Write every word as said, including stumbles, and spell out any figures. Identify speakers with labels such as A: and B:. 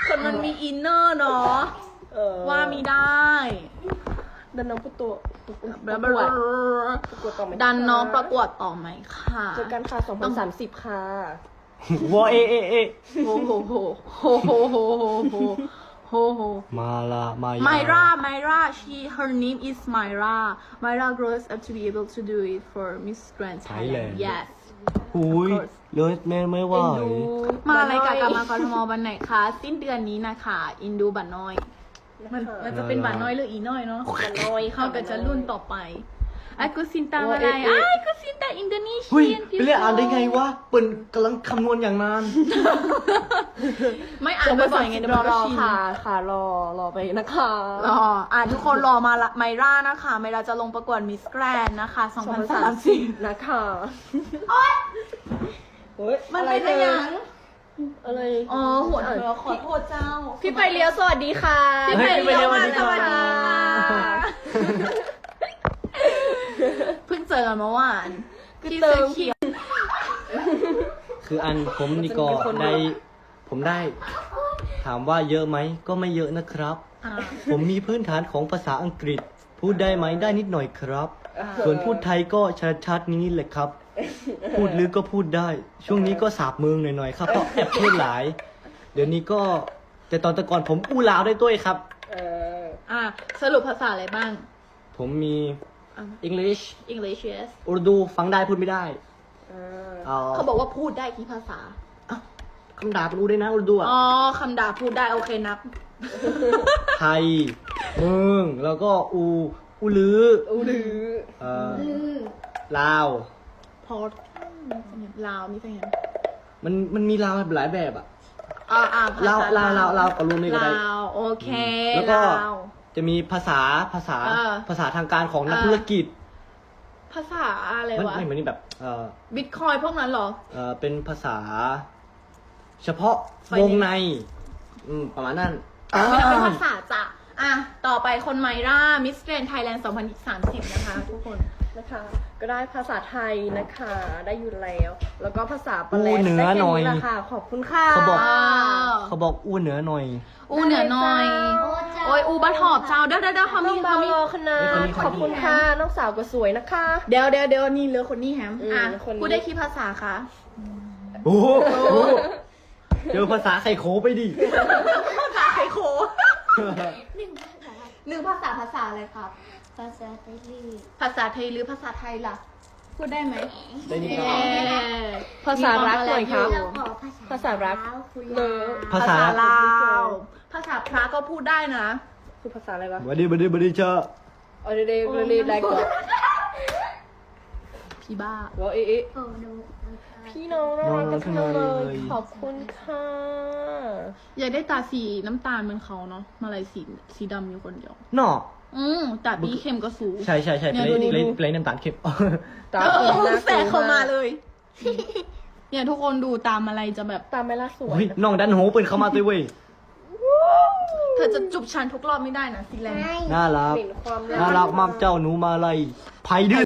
A: คนมันมีอินเนอร์เนาะว่ามีได้
B: ดันน้องประตัวประกวดประกวดต่อไหม
A: ดันน้องประกวดต่อไหมค่ะ
B: เจอกันค่ะสองพันสามสิบค่ะ
C: วอเอเอเอ
A: โฮโฮโฮโฮโฮโฮโฮโฮโฮโฮ
C: มาละมา
A: Myra Myra she her name is Myra Myra grows up to be able to do it for Miss Grand Thailand yes
C: หุยเลยแม่ไม่ไหว
A: มาอะไรกับกามากรทมวันไหนคะสิ้นเดือนนี้นะคะอินดูบัตรน้อย มันมันจะเป็นบัตรน้อยหรืออีน้อยเนาะบัตรน้อยเข้ากันจะรุ่นต่อไปไอ้กุสินตาอะไรไอ้กุสินตาอินโดนีเซี
C: เฮ้ย
A: ยน
C: ไปเรียกอ่านได้ไงวะเปิ่นกำลังคำนวณอย่างนาน
A: ไม่อ่านบ่อยๆไงเดี๋ยว
B: ร
A: มั
B: อน ร
A: ก็
B: อ
A: ชิน
B: ค่ะค่ะรอรอไปนะคะ
A: รออ่านทุกคนรอมาละไมร่านะคะไมร่าจะลงประกวดมิสแกรนนะคะสองพันสามสิบ
B: นะคะโอ๊ย
A: มันเป็นอะไรอย่าง
B: อะไร
A: อ๋อหัวเธอขอโทษเจ้า
B: พี่ไปเลี้ยวสวัสดีค่ะ
A: พี่ไปเลี้ยวมาสวัสดีค่ะเพิ่งเจอกันเมื่อวานที่เสื้อเขียว
C: คืออันผมนี่ก็ได้ผมได้ ถามว่าเยอะไหมก็ไม่เยอะนะครับ
A: อ่า
C: ผมมีพื้นฐานของภาษาอังกฤษ พูดได้ไหมได้นิดหน่อยครับ ส่วนพูดไทยก็ชัดๆนี้แหละครับ พูดลึกก็พูดได้ ช่วงนี้ก็สาบเมืองหน่อยๆครับเพราะแอบพูดหลาย เดี๋ยวนี้ก็แต่ตอนแต่ก่อนผมอู้ลาวได้ด้วยครับ
B: เออ
A: อ่าสรุปภาษาอะไรบ้าง
C: ผมมี
A: อ่ะ
C: English
A: English yes
C: อุรดูฟังได้พูดไม่ได้
B: เออ
C: อ่
A: เขาบอกว่าพูดได้กี่ภาษา
C: อ้าวคำด่าเป็นอูได้นะอุรดูอ่ะ
A: อ๋อคำด่าพูดได้โอเคนับ
C: ไทยเมืองแล้วก็อูอูลือ
B: อูหรือ
C: เอ่อลาว
A: พอลาวนี่เป็นไง
C: มันมันมีลาวหลายแบบอ่ะ
A: อ่าอ่า
C: ลาวลาวลาวลาวก็รวมนี่ก็ได้
A: ลาวโอเค
C: แล้วก็
A: ลาว
C: จะมีภาษาภาษา
A: เออ
C: ภาษาทางการของนัก
A: เออ
C: ธุรกิจ
A: ภาษาอะไร
C: มัน
A: วะ
C: ไม่เหมือนนี่แบบเอ่อ
A: บิตคอยพวกนั้นเหรอ
C: เอ่อเป็นภาษา เฉพาะ
A: ไฟ
C: ว
A: แนนซ์
C: งในอืมประมาณนั้น
A: ไม่ได้เป็นภาษาจ้ะอ่ะ ต่อไปคนไมร่ามิสแกรนไทยแลนด์สองพันสามสิบนะคะทุกคน
B: นะคะ ก็ได้ภาษาไทยนะคะ ได้อยู่แล้ว แล้วก็ภาษาปา
C: อู้
B: เลส
C: เหนือ
B: ได้แค่
C: หน่อย
B: แหละค่ะ ขอบคุณค่ะ
C: เขาบอก
A: ว้าว
C: เขาบอกอู้เหนือหน่อย
A: อูเหนือหน่อย โอ้ยอูบัตหอบเจ้า เดี๋ยวเดี๋ยวเดี๋ยวเขา
B: น้
A: มี
B: อง
A: เขา
B: บาว
A: มี
B: รอคณะ
C: เฮ้ยคนนี้คนนี้
B: ขอบคุณค่ะ น้องสาวก็สวยนะคะ
A: เดี๋ยวเดี๋ยวเดี๋ยวนี่เหลือคนนี้แฮม
B: อืม
A: อ่ะ
B: คนนี้
A: พูดได้กี่ภาษาคะ
C: โอ้โหเจอภาษาไข่โคไปดิ
A: ภาษาไทยโค
D: หนึ่งภาษา
A: หนึ่งภาษาภาษาอะไรครับ
D: ภาษาไทย
A: ภาษาไทยหรือภาษาไทยล่ะ พูดได้ไหม
C: ได้นิดหน่
A: เย้
C: อย
B: ภาษารักหน่อยครับ
D: เราขอภาษา
B: ภาษารัก
D: ลาวคุณ
B: เล
D: ลา
B: อ
D: ว
C: ภาษา
A: ลาว ภาษาพระก็พูดได้นะ
B: คือภาษาอะไรวะ
C: บัดดีบัดดีบัดดีเจ้า
B: ออเดเดเดได้ก่อน
A: พี่บ้า
B: ว่าเอ๊ะเอ๊ะ
D: โอ้โน
B: พี่น้องน่ารักกันทั้งนั้นเลย ขอบคุณค่ะ
A: อยากได้ตาสีน้ำตาลเหมือนเขาเนาะมาลายสีสีดำอยู่คนเดียว
C: เนาะ
A: อืมแต่บีเข้มก็สูง
C: ใช่ใช่ใช่
A: เนี่
C: เพ
A: ย
C: ล
A: ดู
C: ย์
A: ดิ
C: เพลย์เพลย์น้ำตาลเค็ม
B: ตา
A: เอ
B: ค
A: อน
B: น่า
A: แสกเข้ามาเลย เนี่ยทุกคนดูตามอะไรจะแบบ
B: ตามไม่ล่าสวย
C: เฮ้ยน้องดันโหเปิดเข้ามาตัวเว้ย
A: เธอจะจุบฉันทุกรอบไม่ได้นะสีแรง
C: น่ารัก
B: เห็นความ
C: น่ารักมากเจ้าหนูมาลัยไผ่ดื้อ